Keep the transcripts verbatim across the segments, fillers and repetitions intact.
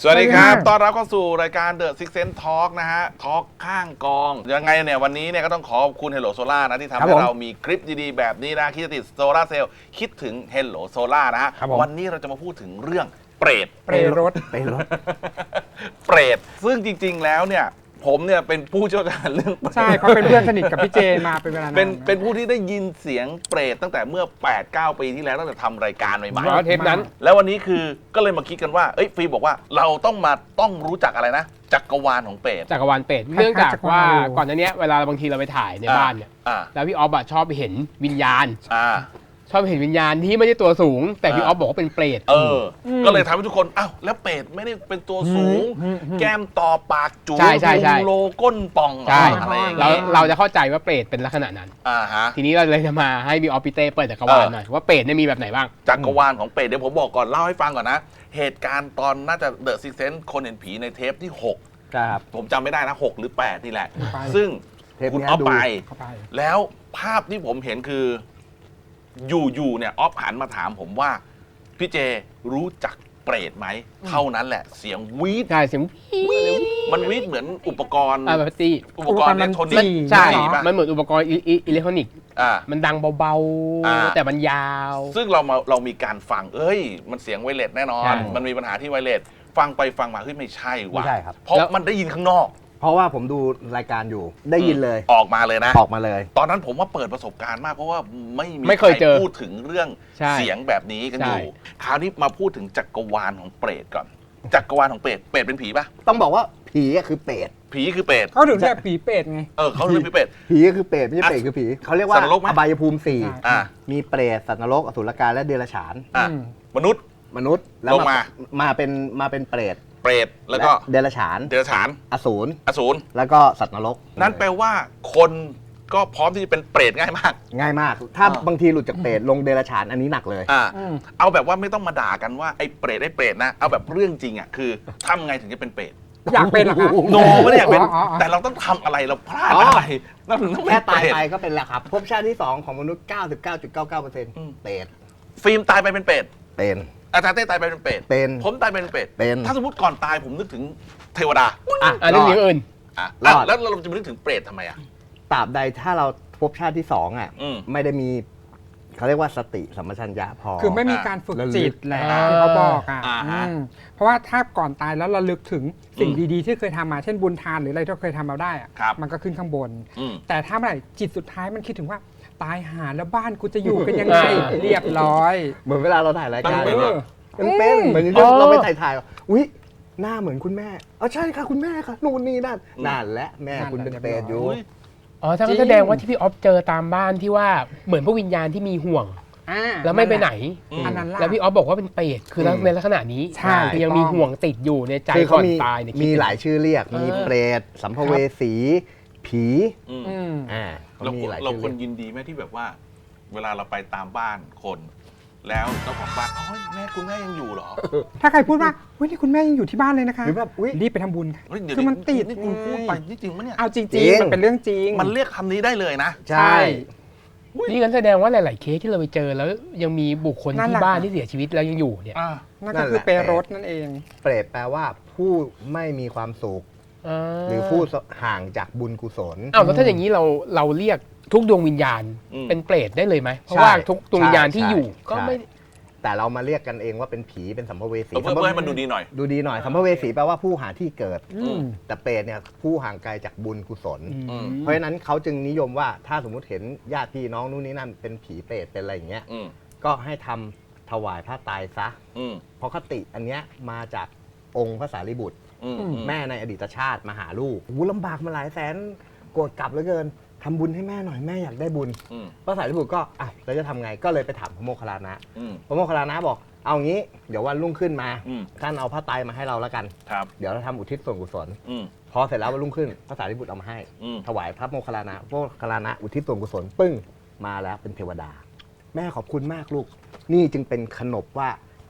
สวัสดีครับต้อนรับเข้าสู่รายการ The Six Sense Talk นะฮะ Talk ข้างกองยังไงเนี่ยวันนี้เนี่ยก็ต้องขอบคุณ Hello Solar นะที่ทำให้เรามีคลิปดีๆแบบนี้นะคิดจะติดโซลาร์เซลล์คิดถึง Hello Solar นะฮะวันนี้เราจะมาพูดถึงเรื่องเปรตเปรตรถเปรตรถเปรตซึ่งจริงๆแล้วเนี่ยผมเนี่ยเป็นผู้เชี่ยวชาญเรื่องเปรตใช่เพราะเป็นเพื่อนสนิทกับพี่เจมาเป็นเวลานานเป็นเป็นผู้ที่ได้ยินเสียงเปรตตั้งแต่เมื่อ แปดเก้า ปีที่แล้วตั้งแต่ทำรายการใหม่ๆเทปนั้นแล้ววันนี้คือก็เลยมาคิดกันว่าเอ้ยฟีบอกว่าเราต้องมาต้องรู้จักอะไรนะจักรวาลของเปรตจักรวาลเปรตเนื่องจากว่าก่อนหน้านี้เวลาบางทีเราไปถ่ายในบ้านเนี่ยแล้วพี่ออฟอะชอบไปเห็นวิญญาณชอบเห็นวิญญาณที่ไม่ใช่ตัวสูงแต่พี่ออฟบอกว่าเป็นเปรตเออก็เลยทำให้ทุกคนอ้าวแล้วเปรตไม่ได้เป็นตัวสูงแก้มต่อปากจู๋โลก้นป่องอะไรอย่างเงี้ยเราเราจะเข้าใจว่าเปรตเป็นลักษณะนั้นอ่าฮะทีนี้เราเลยจะมาให้พี่ออฟพี่เต้เปิดจักรวาลหน่อยว่าเปรตเนี่ยมีแบบไหนบ้างจักรวาลของเปรตเดี๋ยวผมบอกก่อนเล่าให้ฟังก่อนนะเหตุการณ์ตอนน่าจะเดอะซิกเซนส์คนเห็นผีในเทปที่หกครับผมจำไม่ได้นะหกหรือแปดนี่แหละซึ่งคุณเอาไปแล้วภาพที่ผมเห็นคืออยู่ๆเนี่ยออฟหันมาถามผมว่าพี่เจรู้จักเปรตไหมเท่านั้นแหละเสียงวีดใช่เสียงวีดมันวีดเหมือนอุปกรณ์อ่าแบบตีอุปกรณ์อิเล็กทรอนิกส์ใช่มันเหมือนอุปกรณ์อิเล็กทรอนิกส์อ่ามันดังเบาๆแต่มันยาวซึ่งเรามาเรามีการฟังเอ้ยมันเสียงไวเลสแน่นอนมันมีปัญหาที่ไวเลสฟังไปฟังมาเฮ้ยไม่ใช่ว่ะเพราะมันได้ยินข้างนอกเพราะว่าผมดูรายการอยู่ได้ยินเลยออกมาเลยนะออกมาเลยตอนนั้นผมว่าเปิดประสบการณ์มากเพราะว่าไม่มีใครพูดถึงเรื่องเสียงแบบนี้กันอยู่คราวนี้มาพูดถึงจักรวาลของเปรตก่อนจักรวาลของเปรตเปรตเป็นผีปะต้องบอกว่าผีคือเปรตผีคือเปรตเขาถึงเรียกผีเปรตไงเออเขาเรียกผีเปรตผีคือเปรตไม่ใช่เปรตคือผีเขาเรียกว่าอบายภูมิสี่มีเปรตสัตว์นรกอสุรกายและเดรัจฉานมนุษย์มนุษย์แล้วมามาเป็นมาเป็นเปรตเปรตแล้วก็เดรัจฉานเดรัจฉานอสูรอสูรแล้วก็สัตว์นรกนั่นแปลว่าคนก็พร้อมที่จะเป็นเปรตง่ายมากง่ายมากถ้าบางทีหลุดจากเปรตลงเดรัจฉานอันนี้หนักเลยอ่าเอาแบบว่าไม่ต้องมาด่ากันว่าไอ้เปรตไอ้เปรตนะเอาแบบเรื่องจริงอ่ะคือทำไงถึงจะเป็นเปรตอยากเป็นหรอคะโนไม่ได้อยากเป็นแต่เราต้องทำอะไรเราพลาดอะไรนั่นแค่ตายไปก็เป็นแล้วครับภพชาติที่สองของมนุษย์ เก้าสิบเก้าจุดเก้าเก้าเปอร์เซ็นต์ เปรตฟิล์มตายไปเป็นเปรตเป็นอาจารย์เต้ตายไปเป็นเปรตเป็นผมตายไปเป็นเปรตเป็นถ้าสมมติก่อนตายผมนึกถึงเทวดาอ่ะเรื่องอื่นอ่ะแล้วเราจะไปนึกถึงเปรตทำไมอ่ะตราบใดถ้าเราภพชาติที่สองอ่ะไม่ได้มีเขาเรียกว่าสติสัมปชัญญะพอคือไม่มีการฝึกจิตแหละที่เขาบอกอ่ะเพราะว่าถ้าก่อนตายแล้วเราลึกถึงสิ่งดีๆที่เคยทำมาเช่นบุญทานหรืออะไรที่เคยทำมาได้อ่ะมันก็ขึ้นข้างบนแต่ถ้าเมื่อไหร่จิตสุดท้ายมันคิดถึงว่าตายหาแล้วบ้านกูจะอยู่กันยังไงเรียบร้อยเหมือนเวลาเราถ่ายรายการเนี่ยมันเป็นเหมือนเราไปถ่ายถ่ายอุ้ยหน้าเหมือนคุณแม่อ๋อใช่ค่ะคุณแม่ค่ะนู่นนี่นั่นนั่นและแม่คุณเป็นเปรตอยู่อ๋อถ้าแสดงว่าที่พี่ออฟเจอตามบ้านที่ว่าเหมือนพวกวิญญาณที่มีห่วงแล้วไม่ไปไหนแล้วพี่ออฟบอกว่าเป็นเปรตคือในลักษณะนี้ยังมีห่วงติดอยู่ในใจก่อนตายมีหลายชื่อเรียกมีเปรตสัมภเวสีผีอ่าเราเราคนยินดีไหมที่แบบว่าเวลาเราไปตามบ้านคนแล้วเจ้าของบ้านเฮ้ยแม่คุณแม่ยังอยู่เหรอถ้าใครพูดว่าเฮ้ยนี่คุณแม่ยังอยู่ที่บ้านเลยนะคะหรือแบบรีบไปทำบุญคือมันติดนี่คุณพูดไปจริงๆมั้ยเนี่ยเอาจริงๆมันเป็นเรื่องจริงมันเรียกคำนี้ได้เลยนะใช่นี่กันแสดงว่าหลายๆเคสที่เราไปเจอแล้วยังมีบุคคลที่บ้านที่เสียชีวิตแล้วยังอยู่เนี่ยนั่นก็คือเปรตนั่นเองเปรตแปลว่าผู้ไม่มีความสุขหรือผู้ห่างจากบุญกุศลอ้าวแล้วถ้าอย่างนี้เราเราเรียกทุกดวงวิญญาณเป็นเปรตได้เลยไหมเพราะว่าทุกดวงวิญญาณที่อยู่ก็ไม่แต่เรามาเรียกกันเองว่าเป็นผีเป็นสัมภเวสีเพื่อให้มันดูดีหน่อยดูดีหน่อยสัมภเวสีแปลว่าผู้หาที่เกิดแต่เปรตเนี่ยผู้ห่างไกลจากบุญกุศลเพราะฉะนั้นเขาจึงนิยมว่าถ้าสมมุติเห็นญาติพี่น้องนู่นนี่นั่นเป็นผีเปรตเป็นอะไรอย่างเงี้ยก็ให้ทำถวายพระตายซะเพราะคติอันเนี้ยมาจากองค์พระสารีบุตรแม่ในอดีตชาติมาหาลูกอู้ลำบากมาหลายแสนโกรธกลับเหลือเกินทำบุญให้แม่หน่อยแม่อยากได้บุญพระสารีบุตรก็อ่ะเราจะทำไงก็เลยไปถามพระโมคคัลลานะพระโมคคัลลานะบอกเอางี้เดี๋ยววันรุ่งขึ้นมาท่านเอาผ้าไตรมาให้เราแล้วกันเดี๋ยวเราทำอุทิศส่วนกุศลพอเสร็จแล้ววันรุ่งขึ้นพระสารีบุตรเอามาให้ถวายพระโมคคัลลานะพระโมคคัลลานะอุทิศส่วนกุศลปึ้งมาแล้วเป็นเทวดาแม่ขอบคุณมากลูกนี่จึงเป็นขนบว่า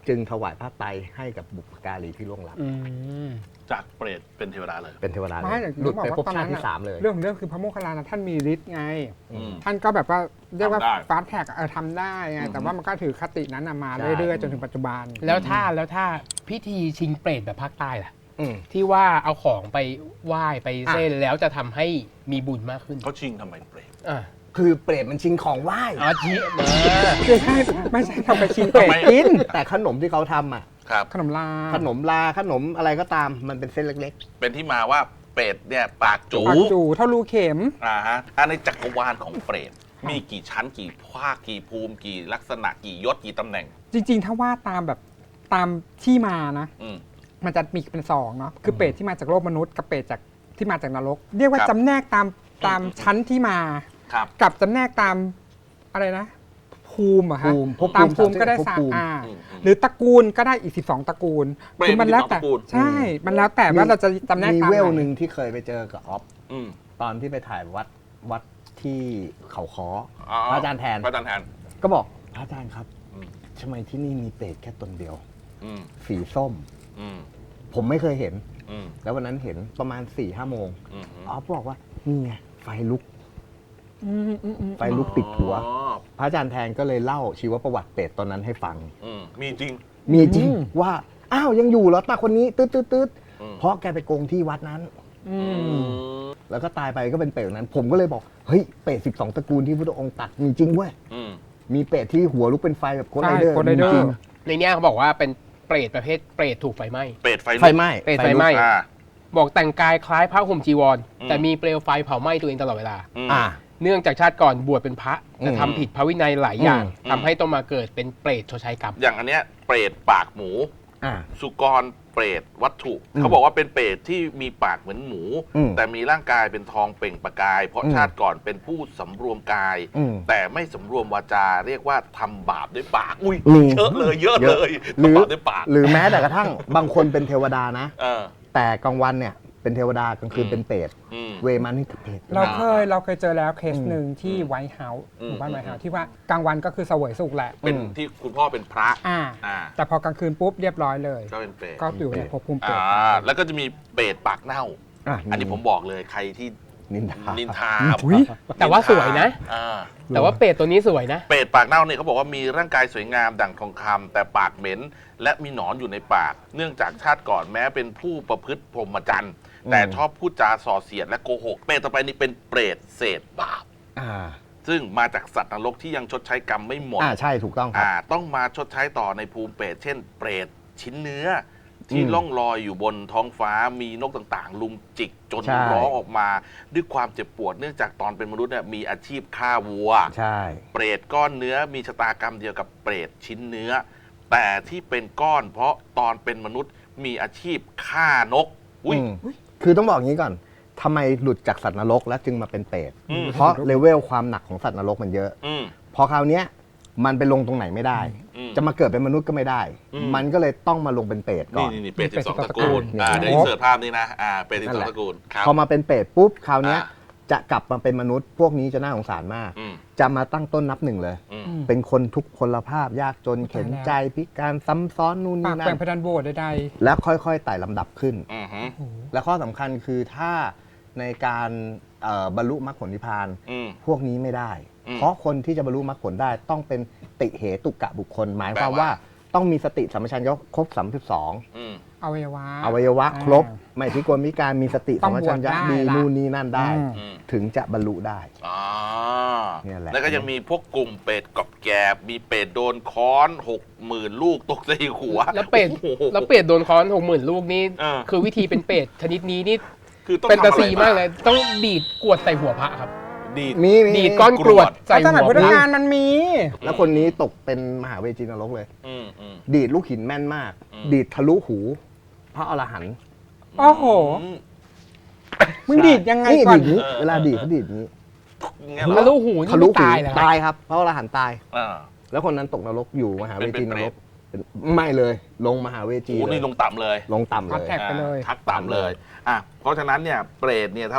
จึงถวายผ้าไตรให้กับบุพการีที่ล่วงลับอืมจากเปรตเป็นเทวดาเลยเป็นเทวดาเลไม่ยแต่หลุดบอกไปว่าภพตอนชานั้ตินที่อะสามเลยเรื่องของเรื่องคือพระโมคคัลลานะท่านมีฤทธิ์ไงอืมท่านก็แบบว่าเรียกว่าทำได้ฟาสต์แท็กเออทำได้ไงแต่ว่ามันก็ถือคตินั้นอะมาใช่เรื่อยๆจนถึงปัจจุบันแล้วถ้าแล้วถ้าพิธีชิงเปรตแบบภาคใต้ล่ะอืมที่ว่าเอาของไปไหว้ไปเส้นแล้วจะทำให้มีบุญมากขึ้นเขาชิงทำไมเปรตอ่าคือเปรตมันชิงของไหว้อ๋อชี้มาไม่ใช่ไม่ใช่ทำไปชิงเป็ดทำไมกินแต่ขนมที่เขาทำอ่ะครับขนมลาขนมลาขนมอะไรก็ตามมันเป็นเส้นเล็กเป็นที่มาว่าเปรตเนี่ยปากจูปากจูเท่ารูเข็มอ่าฮะอันในจักรวาลของเปรตมีกี่ชั้นกี่ภาคกี่ภูมิกี่ลักษณะกี่ยศกี่ตำแหน่งจริงๆ ถ้าว่าตามแบบตามที่มานะอืมมันจะมีเป็นสองเนาะคือเปรตที่มาจากโลกมนุษย์กับเปรตจากที่มาจากนรก เรียกว่าครับจำแนกตามตามอืมชั้นที่มาครับกับจำแนกตามอะไรนะ ภูมิเหรอะๆฮะภูมิภพตามภูมิก็ได้ภพสามภูมิอ่าอืมอืมหรือตระกูลก็ได้อีกสิบสองตระกูลเปรตคือมันแล้วแต่มีสิบสองตระกูลใช่ มันแล้วแต่ว่าเราจะจำแนกมีตามเวลไหหนนึ่งที่เคยไปเจอกับออฟอืมตอนที่ไปถ่ายวัดวัดที่เขาค้ออ๋อพระอาจารย์แทนพระอาจารย์แทนก็บอกพระอาจารย์ครับอืมทำไมที่นี่มีเปรตแค่ตนเดียวอืมสีส้มอืมผมไม่เคยเห็นอืมแล้ววันนั้นเห็นประมาณ4ี่ห้าโมงอืมออฟบอกว่านี่ไงไฟลุกอืมอืมอืมไฟลุกติดหัวอ๋อพระอาจารย์แทนก็เลยเล่าชีวประวัติเปรตตอนนั้นให้ฟังอืมมีจริงมีจริงว่า อ้าวยังอยู่เหรอตาคนนี้ตืดตืดตืดอืมเพราะแกไปโกงที่วัดนั้นอือืมมแล้วก็ตายไปก็เป็นเปรตนั้น ผมก็เลยบอก เฮ้ย เปรตสิบสองตระกูลที่พุทธองค์ตัดมีจริงเว้ยอืมมีเปรตที่หัวลุกเป็นไฟแบบโคดใช่ไรเดอร์โคดไรเดอร์จริงในเนี้ยเขาบอกว่าเป็นเปรตประเภทเปรตถูกไฟไหม้เปรตไฟไฟไหม้เปรตไฟไหม้อ่าบอกแต่งกายคล้ายพระห่มจีวรอืมแต่มีเปลวไฟเผาไหม้ตัวเองตลอดเวลาอืมอ่าเนื่องจากชาติก่อนบวชเป็นพระแต่อืมทำผิดพระวินัยหลายอย่างอืมทำให้ต้องมาเกิดเป็นเปรตชดใช้กรรมอย่างอันเนี้ยเปรตปากหมูอ่าสุกรเปรตวัตถุอืมเขาบอกว่าเป็นเปรตที่มีปากเหมือนหมูอืมแต่มีร่างกายเป็นทองเปล่งประกาย เพราะอืมชาติก่อนเป็นผู้สำรวมกายอืมแต่ไม่สำรวมวาจาเรียกว่าทำบาปด้วยปาก อุ้ยมีเยอะเลยเยอะเยเลอะยหรือทำบาปด้วยปากหรือแม้แต่กระทั่ง บางคนเป็นเทวดานะเออแต่กลางวันเนี่ยเป็นเทวดากลางคืนอืมเป็นเปรตอืมเวมานี่คือเปรตเราเคยเราเคยเจอแล้วเคสอืมหนึ่งที่ไวท์เฮาส์อืมหมู่บ้านอืมไวท์เฮาส์ที่ว่ากลางวันก็คือเสวยสุขแหละเป็นอืมที่คุณพ่อเป็นพระอ่าอ่าแต่พอกลางคืนปุ๊บเรียบร้อยเลยก็เป็นเปรตก็อยู่ในภพภูมิเปรอ่าตแล้วก็จะมีเปรตปากเน่าอ่ะอันนี้ผมบอกเลยใครที่นินทานินทาอุ๊ยแต่ว่าสวยนะอ่าแต่ว่าเปรตตัวนี้สวยนะเปรตปากเน่าเนี่ยเขาบอกว่ามีร่างกายสวยงามดั่งทองคำแต่ปากเหม็นและมีหนอนอยู่ในปาก เนื่องจากชาติก่อนแม้เป็นผู้ประพฤติพรหมจรรย์อืมแต่ชอบพูดจาส่อเสียดและโกหก เปรตต่อไปนี่เป็นเปรตเศษบาปอ่าซึ่งมาจากสัตว์นรกที่ยังชดใช้กรรมไม่หมดอ่าใช่ถูกต้องครับอ่าต้องมาชดใช้ต่อในภูมิเปรตเช่น เปรตชิ้นเนื้อ ที่อืมล่องลอยอยู่บนท้องฟ้ามีนกต่างๆ ลุมจิกจนใช่ร้องออกมาด้วยความเจ็บปวด เนื่องจากตอนเป็นมนุษย์เนี่ยมีอาชีพฆ่าวัวใช่เปรตก้อนเนื้อมีชะตากรรมเดียวกับเปรตชิ้นเนื้อ แต่ที่เป็นก้อนเพราะตอนเป็นมนุษย์มีอาชีพฆ่านกอุ้ยอืมคือต้องบอกอย่างนี้ก่อนทำไมหลุดจากสัตว์นรกแล้วจึงมาเป็นเปรตอืมเพราะเลเวลความหนักของสัตว์นรกมันเยอะอืมพอคราวเนี้ยมันไปลงตรงไหนไม่ได้อืมจะมาเกิดเป็นมนุษย์ก็ไม่ได้อืมมันก็เลยต้องมาลงเป็นเปรตก่นี่อนนี่นี่เปรตเป็สินบสองสิบสองตระกูลตระกูลอ่าเนี่ยเดี๋ยวอินเสิร์ตภาพนี้นะอ่าเปรตสิบนั่สนองแหละตระกูลครับพอมาเป็นเปรตปุ๊บคราวเนี้ยอ่ะจะกลับมาเป็นมนุษย์ พวกนี้จะน่าสงสารมากอืมจะมาตั้งต้นนับหนึ่งเลยอืมอืมเป็นคนทุกพลภาพยากจนเข็นใจพิการซ้ำซ้อนนู่นปานี่กนั่แปลงนเพดานโบสถ์ใดแล้วค่อยๆไต่ลำดับขึ้นอืมฮึๆโอ้โหและข้อสำคัญคือถ้าในการเอ่อบรรลุมรรคผลนิพพานอืมพวกนี้ไม่ได้อืมเพราะคนที่จะบรรลุมรรคผลได้ต้องเป็นติเหตุกะบุคคล หมายความแปลว่าว่าต้องมีสติสัมปชัญญะครบสามสิบสองอืมอวัยวะอวัยวะอ่าครบ ไม่พิกลพิการมีสติต้สัอมงปชัญญะบวชได้ดีละนู่นนี่นั่นได้อืมอืมถึงจะบรรลุได้อ่าเนี่ยแหละแล้วก็ยังมีพวกกลุ่มเปรตกอบแกบมีเปรตโดนค้อนหกหมื่นลูกตกใส่หัวแล้วเปรตโอ้โหแล้วเปรตโดนค้อนหกหมื่นลูกนี่เออคือวิธีเป็นเปรตชนิดนี้นี่คือต้องเป็นทำตาอะไรซีมากเลย ต้องดีดกรวดใส่หัวพระครับดีดมีมีดีดก้อนกรวดใส่พระหัสมัยว พุทธพระกาลมันมีแล้วคนนี้ตกเป็นมหาเวจีนรกเลยอืมอืมดีดลูกหินแม่นมากอืมดีดทะลุหู พระอรหันต์โอ้โหอืมมึงดีดยังไงนี่ก่อนดีดนี้เออเวลาดีดเขาดีดนี้อย่างเงี้ยเหรทะอลุหูนี่ทะลุไม่หูตายเหรอครับตายครับพระอรหันต์ตายอ่าแล้วคนนั้นตกนรกอยู่มหาเวจีนเป็นรเปรกตเป็นไม่เลย ลงมหาเวจีโอ้เลนี่ยลงต่ำเลยลงต่ำเลพัดยแท็ก ไปเลยอ่าทักต่ำเลยอ่ะเพราะฉะนั้นเนี่ยเปรตเนี่ยเท่าที่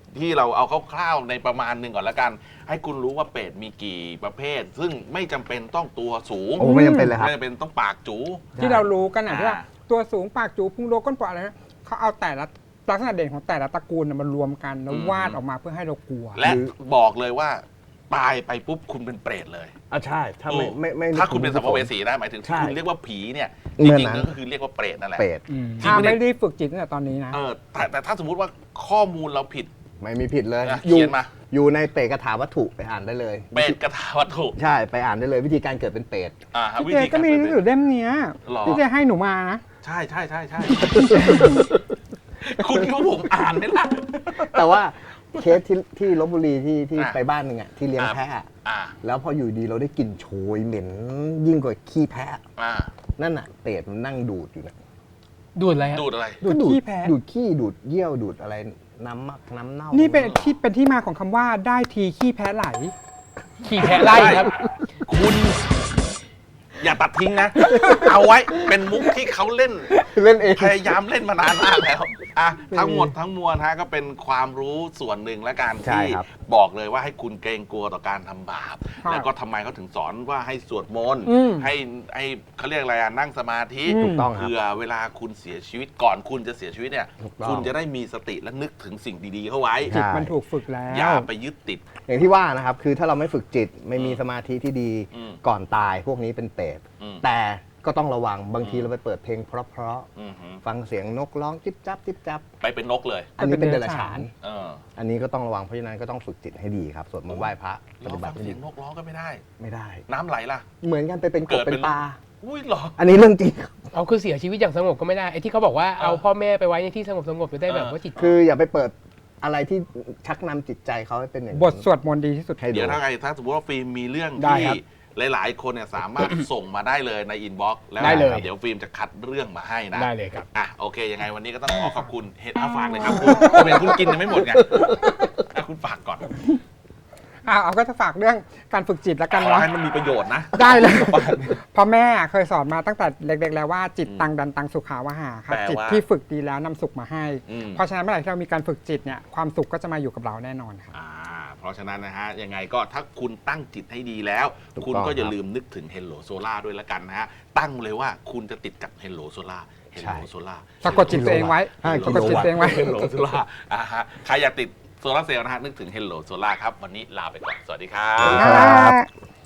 ที่เราเอาคร่าวๆในประมาณหนึ่งก่อนละกัน ให้คุณรู้ว่าเป็ดมีกี่ประเภท ซึ่งไม่จำเป็นต้องตัวสูงโอ้ไม่จำเป็นเลยครับไม่จำเป็นต้องปากจู๋ที่เรารู้กันนะอ่าที่ว่าตัวสูงปากจูพุงโลก้นปอดอะไรนะเขาเอาแต่ละลักษณะเด่นของแต่ละตระกูลน่ะมารวมกันแล้ววาดออกมาเพื่อให้เรากลัวและบอกเลยว่าตายไปปุ๊บคุณเป็นเปรตเลยอ่ะใช่ถ้าไม่ไม่ไม่ถ้าคุณเป็นสัมภเวสีนะหมายถึงใช่คุณเรียกว่าผีเนี่ยเหจมือนริงนั้นๆก็คือเรียกว่าเปรตนั่นแหละเปรตจริงถ้าปะเนี่ยไม่ได้ฝึกจิตตั้งแต่ตอนนี้นะเออแต่แต่ถ้าสมมุติว่าข้อมูลเราผิดไม่มีผิดเลยอ่ะอยู่เขียนมาอยู่ในเปรตกถาวัตถุไปอ่านได้เลยเปรตกระทาวัตถุใช่ไปอ่านได้เลยวิธีการเกิดเป็นเปรตอ่าฮะวิพี่เจธีก็การมีหนังสือเล่มเนี้ยหรอพี่เจให้หนูมานะใช่ใช่ใช่ใช่ คุณคิดว่าผมอ่านไหมล่ะแต่ว่าเคสที่ที่ลบบุรีที่ที่อ่ะไปบ้านหนึ่งอ่ะที่เลี้ยงอ่ะแพะอ่าแล้วพออยู่ดีเราได้กลิ่นโชยเหม็นยิ่งกว่าขี้แพะอ่านั่นน่ะเปรตมันนั่งดูดอยู่นะดูดอะไรฮะดูดอะไรดูดก็ขี้แพ้ดูดขี้ดูดเยี่ยวดูดอะไรน้ำมักน้ำเน่านี่นี่เป็นที่เป็นที่มาของคำว่าได้ทีขี้แพ้ไหลขี่แพะไล่ครับคุณอย่าตัดทิ้งนะ เอาไว้เป็นมุกที่เขาเล่นเล่นเองพยายามเล่นมานานมากแล้วอ่ะทั้งหมดทั้งมวลฮะก็เป็นความรู้ส่วนหนึ่งและการใช่ที่ครับบอกเลยว่าให้คุณเกรงกลัวต่อการทำบาปครับแล้วก็ทำไมเขาถึงสอนว่าให้สวดมนต์อืมให้ให้เขาเรียกอะไรอะนั่งสมาธิอืมถูกต้องครับเพื่อเวลาคุณเสียชีวิตก่อนคุณจะเสียชีวิตเนี่ยถูกต้องคุณจะได้มีสติและนึกถึงสิ่งดีๆเข้าไว้ใช่จิตมันถูกฝึกแล้วอย่าไปยึดติดอย่างที่ว่านะครับคือถ้าเราไม่ฝึกจิตไม่มีอืมสมาธิที่ดีอืมก่อนตายพวกนี้เป็นเปรตอืมแต่ก็ต้องระวังบางทีอืมเราไปเปิดเพลงเพราะอือหือๆฟังเสียงนกร้องจิ๊บจับจิ๊บจับไปเป็นนกเลยอันนี้เป็นเดรัจฉานเอออันนี้ก็ต้องระวังเพราะฉะนั้นก็ต้องฝึกจิตให้ดีครับสวดมนต์ไหว้พระปเราฏิบัฟัติงให้เสีดียงนกร้องก็ไม่ได้ไม่ได้น้ำไหลล่ะเหมือนกันไปเป็นกเกิบดเป็เป็น นปลาอุ้ยเหรออันนี้เรื่องจริงครับเอาคือเสียชีวิตอย่างสงบก็ไม่ได้ไอ้ที่เขาบอกว่าเอาพ่อแม่ไปไว้ในที่สงบสงบจะได้แบบว่าจิตคืออย่าไปเปิดอะไรที่ชักนำจิตใจเขาให้เป็นอย่างนั้นบทสวดมนต์ดีที่สุดให้ดูเดี๋ยวถ้าไงถ้าสมมติว่าฟิล์มมีเรื่องได้ที่ครับหลาย ๆ คนเนี่ยสามารถ ส่งมาได้เลยในอินบ็อกซ์แล้วได้เลยเดี๋ยวฟิล์มจะคัดเรื่องมาให้นะได้เลยครับอ่ะโอเค ยังไงวันนี้ก็ต้องขอขอบคุณเห็ดอาฝากเลยครับคุณผมเห็นคุณกินยังไม่หมดไงอ่ะคุณฝากก่อนอ่าเอาก็จะฝากเรื่องการฝึกจิตแล้วกันขอเนาะให้มันมีประโยชน์นะได้เลยเพราะแม่เคยสอนมาตั้งแต่เล็กๆแล้วว่าจิตตังดันตังสุขาวหาครับแปลว่าจิตที่ฝึกดีแล้วนำสุขมาให้อืมเพราะฉะนั้นเมื่อไหร่ที่เรามีการฝึกจิตเนี่ยความสุขก็จะมาอยู่กับเราแน่นอนครับอ่าเพราะฉะนั้นนะฮะยังไงก็ถ้าคุณตั้งจิตให้ดีแล้วถูกต้องคุณก็อย่าครับลืมนึกถึง Hello Solar ด้วยละกันนะฮะตั้งเลยว่าคุณจะติดกับ Hello Solar ใช่ Hello Solar สะกดจิตตัวเองไว้ห้าสะกดจิตตัวเองไว้เฮลโลโซล่าอ่าฮะใครอยากติดโซลาร์เซลล์นะฮะนึกถึง Hello Solar ครับ วันนี้ลาไปก่อน สวัสดีครับครับ